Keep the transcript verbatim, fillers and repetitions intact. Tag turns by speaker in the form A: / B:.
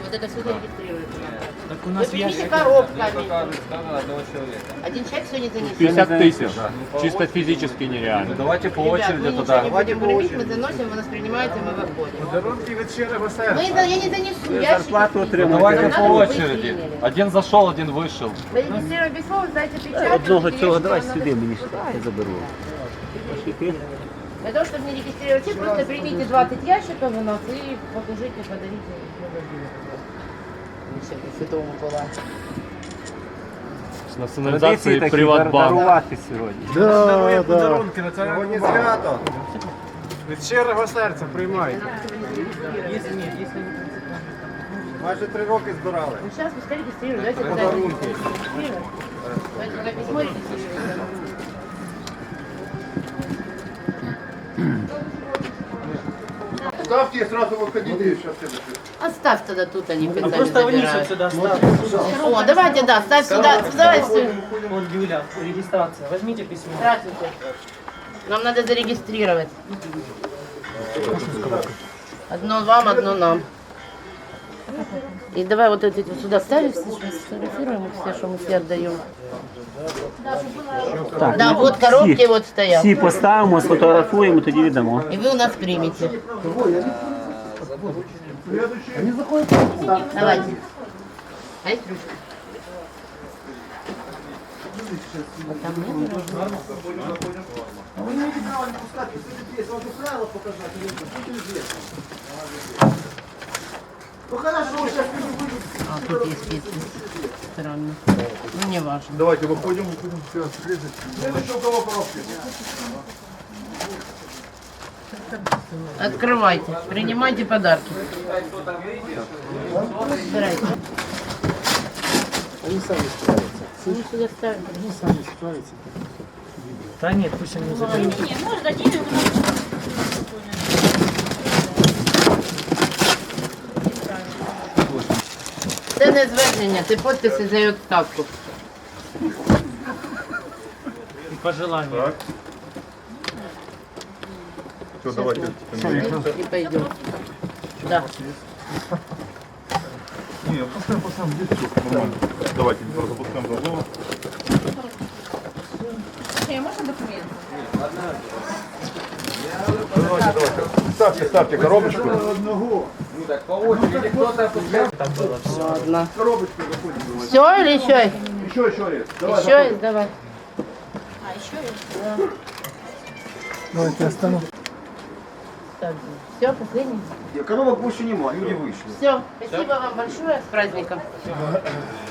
A: Вот это все зарегистрируется.
B: Так у нас
A: Вы
B: ящик.
A: примите коробками.
C: одного человека.
A: Один человек сегодня занесет.
D: пятьдесят тысяч. Чисто физически нереально.
C: Давайте по
A: Ребят,
C: очереди
A: мы ничего
C: туда.
A: не будем гребить, мы заносим, вы нас принимаете, мы выходим.
E: Подарунки від щирого
A: Мы,
E: серця.
A: это- я не занесу, ящики.
D: зарплату
A: спиздят.
D: отримуєте.
C: Давайте
A: Нам
C: по
A: надо, чтобы вы
C: очереди.
A: приняли.
C: Один зашел, один вышел.
A: Вы регистрируем письмо, вы сдайте печать.
D: Одного
A: и
D: цього
A: ящики
D: давай
A: вам надо
D: сюди, мені
A: сюда.
D: я заберу.
A: Для того, чтобы не регистрировать чек, просто примите двадцать ящиков у нас и положите, подарите. Святому Миколаю.
D: З
F: Традиції
D: націоналізації
F: такі
D: Приватбанку.
F: дарувати сьогодні.
E: Дарує подарунки на
G: Сьогодні
E: цьому
G: свято.
E: від щирого серця приймайте.
B: Если нет, если не
G: Майже три роки збирали.
A: Ну сейчас пускай регистрируют, давайте
G: Подарунки.
A: регистрируем. Давайте пока письмо регистрируем.
G: Ставьте и сразу выходите. Сейчас
A: Оставь тогда тут, они
B: А
A: специально
B: просто вниз вот
A: забирают.
B: сюда ставь.
A: О, давайте, да, ставь сюда, давай все.
B: Вот Юля, регистрация. Возьмите письмо.
A: Здравствуйте. Нам надо зарегистрировать. Одно вам, одно нам. И давай вот эти вот сюда ставим, все, что мы сфотографируем, их все, что мы все отдаем. Да, вот коробки вот стоят.
F: Всі поставимо, сфотографуємо, тоді віддамо.
A: И вы у нас примете. Давайте. А есть ручка? Вот там нет ручки? А, тут есть списки. Странно. Ну, не важно.
G: Давайте выходим, выходим. Все, следующий у кого коробки?
A: Открывайте, принимайте подарки. Собирайте.
E: Они сами справятся.
A: Они сюда ставят.
E: Они сами справятся.
B: Да нет, пусть они заберут.
A: Це не звернення, це підписи за відставку.
B: И пожелания.
G: Все, давайте.
A: И пойдем. Да.
G: Не, пускаем, пускаем, здесь все нормально. Давайте, запускаем другого. Давайте, давайте. Ставьте, ставьте коробочку.
C: По очереди кто-то
B: Там было все.
A: Ладно.
G: Коробочку заходим.
A: Все или еще есть?
G: Еще, еще есть. Давай,
A: Еще есть, давай.
E: Давайте остановим.
A: Все, последний.
G: Коробок больше нема, люди вышли.
A: Все, спасибо вам большое, с праздником.